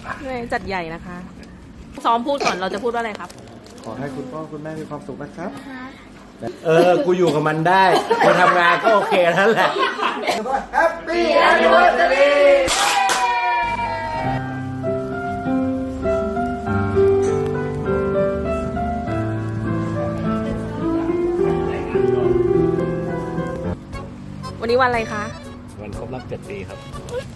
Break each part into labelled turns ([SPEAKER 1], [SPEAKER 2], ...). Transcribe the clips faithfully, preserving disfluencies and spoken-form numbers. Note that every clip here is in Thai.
[SPEAKER 1] จัดใหญ่นะคะซ้อมพูดก่อนเราจะพูดว่าอะไรครับ
[SPEAKER 2] ขอให้คุณพ่อคุณแม่มีความสุขนะครับเออกูอยู่กับมันได้กูทำงานก็โอเคนั่นแหละ Happy Anniversary
[SPEAKER 1] วันนี้วันอะไรคะ
[SPEAKER 2] วันครบรอบเจ็ดปีครับ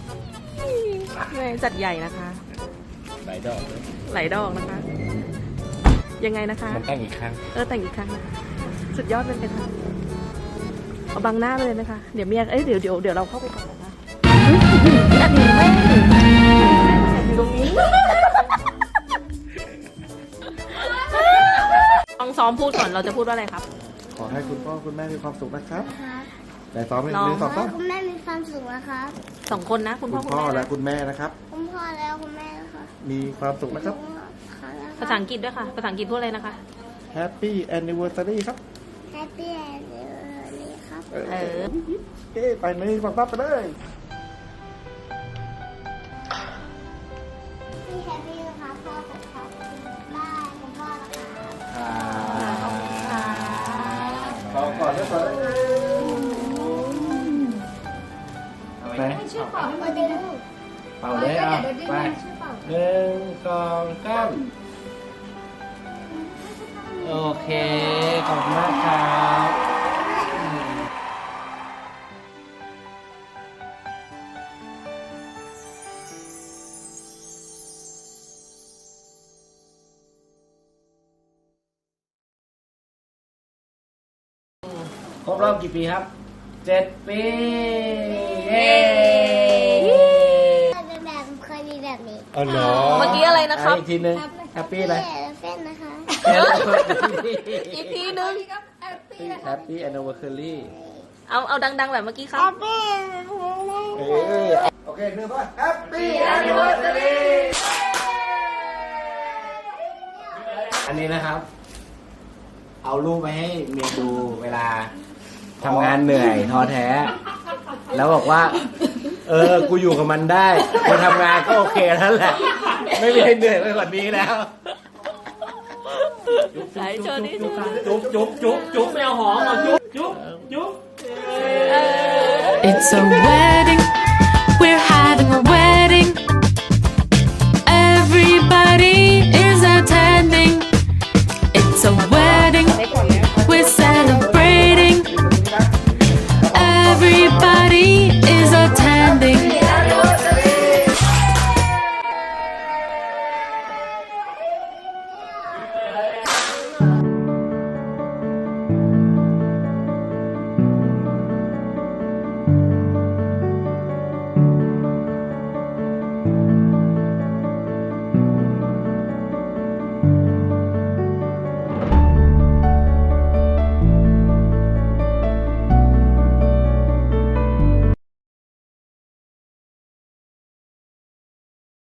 [SPEAKER 1] จัดใหญ่นะคะ
[SPEAKER 2] หลายดอก
[SPEAKER 1] หลายดอกนะคะยังไงนะคะ
[SPEAKER 2] มันแต่งอีกครั้ง
[SPEAKER 1] เออแต่งอีกครั้งนะคะสุดยอดเป็นไงคะเอาบังหน้าไปเลยนะคะเดี๋ยวเมียเอ้ยเดี๋ยวเดี๋ยวเดี๋ยวเราเข้าไปก่อนนะคะอันนี้ไม่อยู่ตรงนี้ต้องซ้อมพูดก่อนเราจะพูดว่าอะไรครับ
[SPEAKER 2] ขอให้คุณพ่อคุณแม่มีความสุขนะครับแต่ซ้อมเป็นสอง
[SPEAKER 3] ขอให้คุณแม่มีความสุขนะครับ
[SPEAKER 1] สองคนนะคุณพ่อ
[SPEAKER 2] คุณพ่อและคุณแม่นะครับ
[SPEAKER 3] คุณพ่อแล้วคุณแม่นะคะ
[SPEAKER 2] มีความสุขนะครับ
[SPEAKER 1] ภาษาอังกฤษด้วยค่ะภาษาอังกฤษพูดอะไรนะคะ
[SPEAKER 2] Happy Anniversary ครับ
[SPEAKER 3] Happy Anniversary ครับ
[SPEAKER 1] เออ
[SPEAKER 2] เฮ้ไปเลยฟังปั๊บไปเลย
[SPEAKER 3] พี่แฮปปี้นะคะพ่อของเขาบ้านคุณพ่อนะคะ
[SPEAKER 2] ขอก่อนด้วยก่อนไป
[SPEAKER 3] ช่วยเป่าให้มาดึง
[SPEAKER 2] เป่าเลยอ่ะไปหนึ่งสองสามโอเคขอบคุณมากครับครบรอบกี่ปีครับเจ็ดปีเย้
[SPEAKER 3] เป็นแบบเคยมีแบบนี้
[SPEAKER 2] อ๋อเนาะ
[SPEAKER 1] เมื่อกี้อะไรนะครับ
[SPEAKER 2] อีกทีนึงแฮปปี้อะไร
[SPEAKER 3] เฟ้นนะคะ
[SPEAKER 1] อีกทีนึง
[SPEAKER 2] Happy Anniversary
[SPEAKER 1] เอาเอาดังๆแบบเมื่อกี้ครับ
[SPEAKER 3] Happy
[SPEAKER 2] โอเคหนึ่งป่ะ Happy Anniversary อันนี้นะครับ เอารูปไปให้เมียดูเวลาทำงานเหนื่อยท้อแท้แล้วบอกว่าเออกูอยู่กับมันได้กูทำงานก็โอเคนั่นแหละไม่มีให้เหนื่อยไปกว่านี้แล้ว
[SPEAKER 1] ไหนโชว์ดิ
[SPEAKER 2] จุ๊บจุ๊บจุ๊บจุ๊บไม่เอาหอมเอาจุ๊บจุ๊บจุ๊บ
[SPEAKER 4] It's a wedding, we're having a wedding.